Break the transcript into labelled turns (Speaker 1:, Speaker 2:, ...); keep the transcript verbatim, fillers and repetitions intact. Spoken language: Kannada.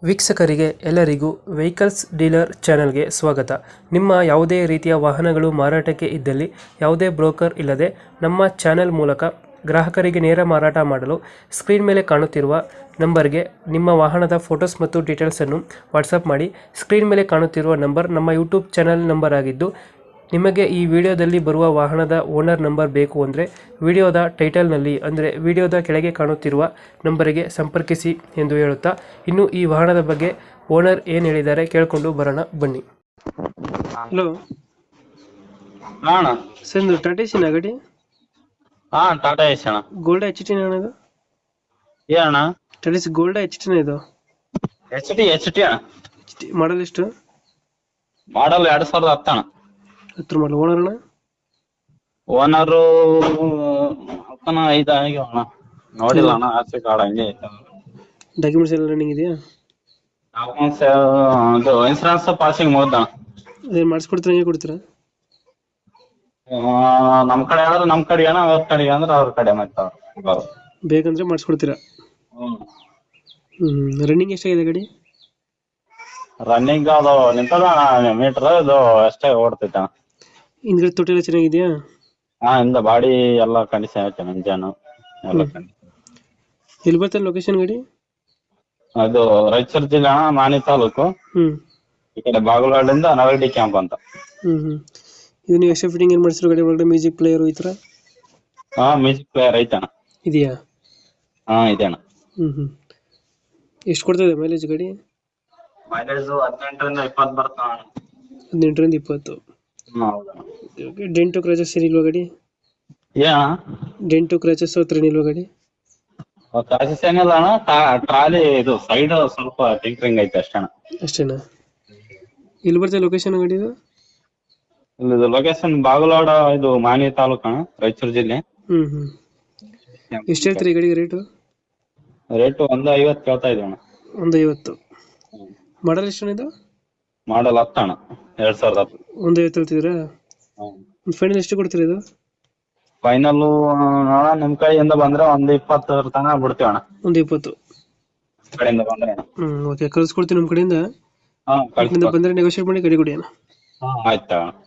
Speaker 1: ವೀಕ್ಷಕರಿಗೆ ಎಲ್ಲರಿಗೂ ವೆಹಿಕಲ್ಸ್ ಡೀಲರ್ ಚಾನೆಲ್ಗೆ ಸ್ವಾಗತ. ನಿಮ್ಮ ಯಾವುದೇ ರೀತಿಯ ವಾಹನಗಳು ಮಾರಾಟಕ್ಕೆ ಇದ್ದಲ್ಲಿ ಯಾವುದೇ ಬ್ರೋಕರ್ ಇಲ್ಲದೆ ನಮ್ಮ ಚಾನೆಲ್ ಮೂಲಕ ಗ್ರಾಹಕರಿಗೆ ನೇರ ಮಾರಾಟ ಮಾಡಲು ಸ್ಕ್ರೀನ್ ಮೇಲೆ ಕಾಣುತ್ತಿರುವ ನಂಬರ್ಗೆ ನಿಮ್ಮ ವಾಹನದ ಫೋಟೋಸ್ ಮತ್ತು ಡೀಟೇಲ್ಸನ್ನು ವಾಟ್ಸಪ್ ಮಾಡಿ. ಸ್ಕ್ರೀನ್ ಮೇಲೆ ಕಾಣುತ್ತಿರುವ ನಂಬರ್ ನಮ್ಮ ಯೂಟ್ಯೂಬ್ ಚಾನೆಲ್ ನಂಬರ್ ಆಗಿದ್ದು, ನಿಮಗೆ ಈ ವಿಡಿಯೋದಲ್ಲಿ ಬರುವ ವಾಹನದ ಓನರ್ ನಂಬರ್ ಬೇಕು ಅಂದರೆ ವಿಡಿಯೋದ ಟೈಟಲ್ನಲ್ಲಿ ಅಂದರೆ ವಿಡಿಯೋದ ಕೆಳಗೆ ಕಾಣುತ್ತಿರುವ ನಂಬರಿಗೆ ಸಂಪರ್ಕಿಸಿ ಎಂದು ಹೇಳುತ್ತಾ, ಇನ್ನು ಈ ವಾಹನದ ಬಗ್ಗೆ ಓನರ್ ಏನು ಹೇಳಿದ್ದಾರೆ ಕೇಳಿಕೊಂಡು ಬರೋಣ ಬನ್ನಿ. ಹಲೋ
Speaker 2: ಹಾ ಅಣ್ಣ.
Speaker 1: ಸರ್, ಇದು ಟಾಟಾ ಏಸಿನ ಗಾಡಿ?
Speaker 2: ಹಾ ಟಾಟಾ ಏಸ್ ಅಣ್ಣ.
Speaker 1: ಗೋಲ್ಡ್ ಎಚ್ ಟಿ ಅಣ್ಣ ಇದು?
Speaker 2: ಏ ಅಣ್ಣ,
Speaker 1: ಟಾಟಾ ಏಸಿ ಗೋಲ್ಡ್ ಎಚ್ ಟಿನ ಇದು?
Speaker 2: ಎಚ್ ಟಿ ಎಚ್ ಟಿ ಅಣ್ಣ.
Speaker 1: ಮಾಡಲ್ ಎಷ್ಟು?
Speaker 2: ಮಾಡಲ್ ಎರಡ್ ಸಾವಿರದ ಹತ್ತು ಅಣ್ಣ.
Speaker 1: ಹತ್ರ ಮಾಡಲ್. ಓನರ್ ಅಣ್ಣ?
Speaker 2: ಓನರು ಹತ್ತನ ಐದು ಆಗ್ಯಾವ ಅಣ್ಣ. ನೋಡಿಲ್ಲ ಅಣ್ಣ, ಆರ್ಸಿ ಕಾರ್ಡ್ ಹಂಗೆ ಐತೆ.
Speaker 1: ಡಾಕ್ಯುಮೆಂಟ್ಸ್ ಎಲ್ಲ ರನ್ನಿಂಗ್ ಇದೆಯಾ?
Speaker 2: ಡಾಕ್ಯುಮೆಂಟ್ಸ್ ಇದು ಇನ್ಸೂರೆನ್ಸ್ ಪಾಸಿಂಗ್ ಮುಗ್ದ ಅಣ್ಣ.
Speaker 1: ಅದೇನು ಮಾಡಿಸ್ಕೊಡ್ತೀರಾ, ಹಂಗೆ ಕೊಡ್ತೀರಾ?
Speaker 2: ನಮ್ ಕಡೆ ಆದ್ರೆ ನಮ್ ಕಡೆ ಅಣ್ಣ, ಅವ್ರ ಕಡೆ ಅಂದ್ರೆ ಅವ್ರ ಕಡೆ ಮತ್ತೆ ಅವ್ರು
Speaker 1: ಬೇಕಂದ್ರೆ ಮಾಡಿಸ್ಕೊಡ್ತೀರಾ?
Speaker 2: ಹ್ಮ್.
Speaker 1: ಹ್ಮ್ ರನ್ನಿಂಗ್ ಎಷ್ಟಾಗಿದೆ ಗಾಡಿ?
Speaker 2: ರನ್ನಿಂಗ್ ಅದು ನಿಂತದ ಮೀಟರ್, ಇದು ಅಷ್ಟೇ ಓಡ್ತೈತೆ ಅಣ್ಣ.
Speaker 1: ಹಿಂದ್ಗಡೆ ತೊಟ್ಟಿ ಎಲ್ಲ ಚೆನ್ನಾಗಿದೆಯಾ?
Speaker 2: ಹಾ, ಇಂದ ಬಾಡಿ ಎಲ್ಲ ಕಂಡೀಷನ್ ಐತೆ, ಇಂಜನ್ ಎಲ್ಲ ಕಂಡೀಷನ್.
Speaker 1: ಎಲ್ಲಿ ಬರ್ತದೆ ಲೊಕೇಶನ್ ಗಾಡಿ?
Speaker 2: ಅದು ರಾಯಚೂರು ಜಿಲ್ಲೆ ಅಣ್ಣ, ಮಾನಿ ತಾಲೂಕು.
Speaker 1: ಹ್ಮ್
Speaker 2: ಈ ಕಡೆ ಬಾಗಲವಾಡಿಂದ ನವರಡಿ ಕ್ಯಾಂಪ್ ಅಂತ.
Speaker 1: ಹ್ಮ್ ಹ್ಮ್ ಇದು ನೀವು ಎಕ್ಸ್ಟ್ರಾ ಫಿಟ್ಟಿಂಗ್ ಏನು ಮಾಡಿಸಿರೋ ಗಾಡಿ ಒಳಗಡೆ? ಮ್ಯೂಸಿಕ್ ಪ್ಲೇಯರ್ ಈ ಥರ
Speaker 2: ಹಾ, ಮ್ಯೂಸಿಕ್ ಪ್ಲೇಯರ್ ಐತಣ್ಣ.
Speaker 1: ಇದೆಯಾ?
Speaker 2: ಹಾ ಇದೆ ಅಣ್ಣ.
Speaker 1: ಹ್ಮ್ ಹ್ಮ್ ಎಷ್ಟು ಕೊಡ್ತದೆ ಮೈಲೇಜ್ ಗಾಡಿ?
Speaker 2: ಮೈಲೇಜ್ ಹದಿನೆಂಟರಿಂದ ಇಪ್ಪತ್ತು ಬರ್ತಾವ ಅಣ್ಣ.
Speaker 1: ಹದಿನೆಂಟರಿಂದ ಇಪ್ಪತ್ತು.
Speaker 2: ಹ್ಮ್, ಹೌದಣ್ಣ.
Speaker 1: ಡೆಂಟು ಕ್ರಾಚಸ್ ಏನಿಲ್ವಾ ಗಾಡಿ?
Speaker 2: ಏ ಅಣ್ಣ,
Speaker 1: ಡೆಂಟು ಕ್ರಾಚಸ್ ಹತ್ರ ಏನಿಲ್ವಾ ಗಾಡಿ?
Speaker 2: ಕ್ರಾಸಸ್ ಏನಿಲ್ಲ ಅಣ್ಣ. ಟ್ರಾಲಿ ಇದು ಸೈಡ್ ಸ್ವಲ್ಪ ಟಿಂಕರಿಂಗ್ ಐತೆ ಅಷ್ಟೇ ಅಣ್ಣ.
Speaker 1: ಅಷ್ಟೇನಾ? ಎಲ್ಲಿ ಬರ್ತದೆ ಲೊಕೇಶನ್ ಗಾಡಿ ಇದು?
Speaker 2: ಇದು ಲೊಕೇಶನ್ ಬಾಗಲವಾಡ, ಇದು ಮಾನಿ ತಾಲೂಕು ಅಣ್ಣ, ರಾಯಚೂರು ಜಿಲ್ಲೆ.
Speaker 1: ಹ್ಮ್ ಹ್ಮ್ ಎಷ್ಟು ಹೇಳ್ತೀರಿ ಈ ಗಾಡಿಗೆ ರೇಟು?
Speaker 2: ರೇಟ್ ಒಂದು ಐವತ್ತು ಕೇಳ್ತಾ ಇದ್ದೀವಿ ಅಣ್ಣ.
Speaker 1: ಒಂದು ಐವತ್ತು. ಮಾಡಲ್ ಎಷ್ಟು ಇದು?
Speaker 2: ಮಾಡಲ್ ಹತ್ತು ಅಣ್ಣ, ಎರಡ್ ಸಾವಿರದ ಹತ್ತು.
Speaker 1: ಒಂದು ಐವತ್ತು ಹೇಳ್ತಿದ್ದೀರಾ? ಫೈನಲ್ ಎಷ್ಟು ಕೊಡ್ತೀರಾ ಇದು?
Speaker 2: ಫೈನಲ್ ನೋಡ, ನಿಮ್ ಕಡೆಯಿಂದ ಬಂದ್ರೆ ಒಂದು ಇಪ್ಪತ್ತರ ತನಕ ಬಿಡ್ತೀವಿ ಅಣ್ಣ.
Speaker 1: ಒಂದು ಇಪ್ಪತ್ತು
Speaker 2: ಕಡೆಯಿಂದ ಬಂದ್ರೆ ಅಣ್ಣ.
Speaker 1: ಹ್ಮ್ ಓಕೆ, ಕಳ್ಸ್ಕೊಡ್ತೀನಿ ನಮ್ಮ ಕಡೆಯಿಂದ.
Speaker 2: ಹಾ, ಕಳ್ಸಿ.
Speaker 1: ಬಂದರೆ ನೆಗೋಷಿಯೇಟ್ ಮಾಡಿ ಗಾಡಿ ಕೊಡಿ ಅಣ್ಣ.
Speaker 2: ಹಾ, ಆಯ್ತಾ.